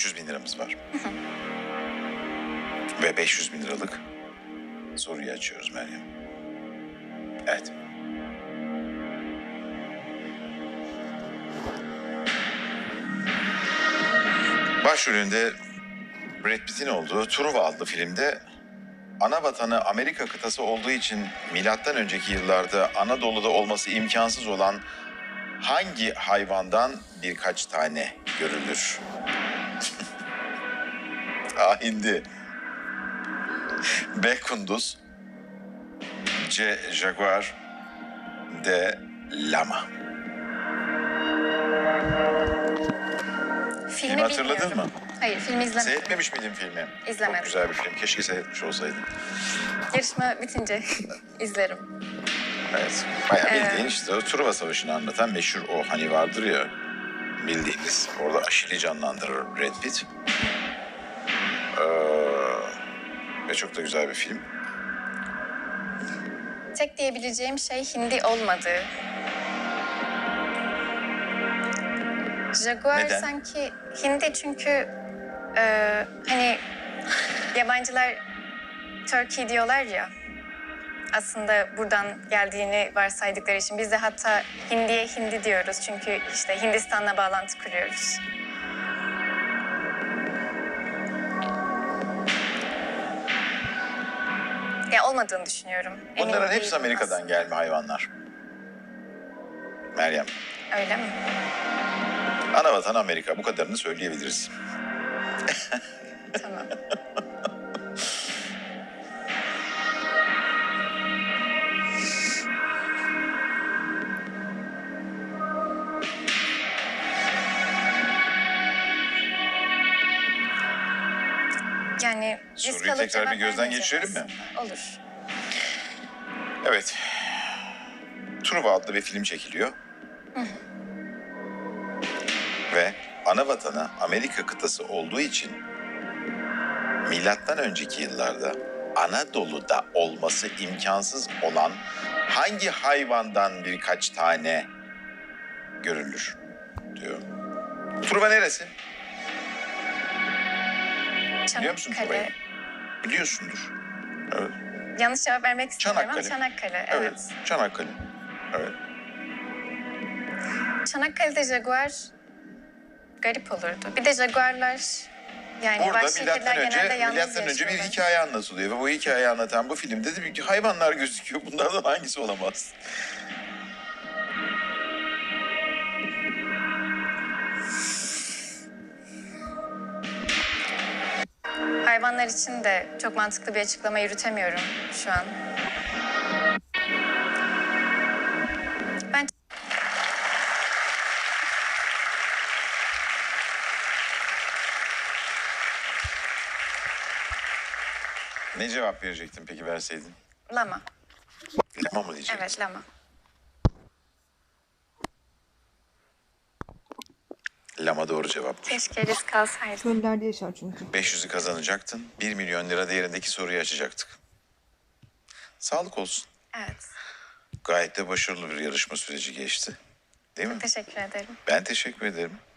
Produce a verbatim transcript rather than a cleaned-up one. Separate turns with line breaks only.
üç yüz bin liramız var. Ve beş yüz bin liralık soruyu açıyoruz Meryem. Evet. Başrolünde Brad Pitt'in olduğu Truva adlı filmde ana vatanı Amerika kıtası olduğu için milattan önceki yıllarda Anadolu'da olması imkansız olan hangi hayvandan birkaç tane görülür? A. Hindi. B. Kunduz. C. Jaguar. D. Lama.
Filmi
Filmi hatırladın
bilmiyorum.
mı?
Hayır, filmi izlemedim.
Seyretmemiş miydin filmi?
İzlemedim.
Çok güzel bir film. Keşke seyretmiş olsaydın.
Yarışma bitince izlerim.
Evet. Bayağı
Ee,
bildiğin işte o Truva Savaşı'nı anlatan meşhur o hani vardır ya bildiğiniz. Orada Aşil'i canlandırır Brad Pitt. Ee, ve çok da güzel bir film.
Tek diyebileceğim şey hindi olmadığı. Jaguar
Neden?
sanki hindi çünkü e, hani yabancılar Turkey diyorlar ya. Aslında buradan geldiğini varsaydıkları için biz de hatta hindiye hindi diyoruz. Çünkü işte Hindistan'la bağlantı kuruyoruz. Ya olmadığını düşünüyorum. Emin
Bunların hepsi
değilim
Amerika'dan
aslında.
gelme hayvanlar. Meryem.
Öyle mi?
Anavatan Amerika. Bu kadarını söyleyebiliriz.
Tamam. Yani risk
Soruyu
alıp
tekrar bir
cevap
gözden
vermeyeceğim
geçirelim mi?
aslında. Olur.
Evet. Truva adlı bir film çekiliyor. Ve ana vatanı Amerika kıtası olduğu için milattan önceki yıllarda Anadolu'da olması imkansız olan hangi hayvandan birkaç tane görülür diyor. Truva neresi? Biliyor musun
Çanakkale.
Truva'yı? Biliyorsundur. Evet.
Yanlış cevap vermek istemiyorum ama
Çanakkale.
Çanakkale.
Evet.
Evet.
Çanakkale. Evet.
Çanakkale'de Jaguar garip olurdu. Bir de Jaguarlar yani
Burada
vahşi
milattan
kediler
önce,
genelde yalnız
milattan önce bir
yaşıyorlar.
hikaye anlatılıyor ve bu hikayeyi anlatan bu filmde de bir hayvanlar gözüküyor. Bunlardan hangisi olamaz?
Hayvanlar için de çok mantıklı bir açıklama yürütemiyorum şu an. Ben
Ne cevap verecektin peki verseydin?
lama.
Lama mı diyecektin?
Evet, lama.
Lama doğru cevapmış.
Keşke risk alsaydım.
Çöllerde yaşar çünkü.
beş yüzü kazanacaktın. bir milyon lira değerindeki soruyu açacaktık. Sağlık olsun.
Evet.
Gayet de başarılı bir yarışma süreci geçti. Değil mi?
Teşekkür ederim.
Ben teşekkür ederim.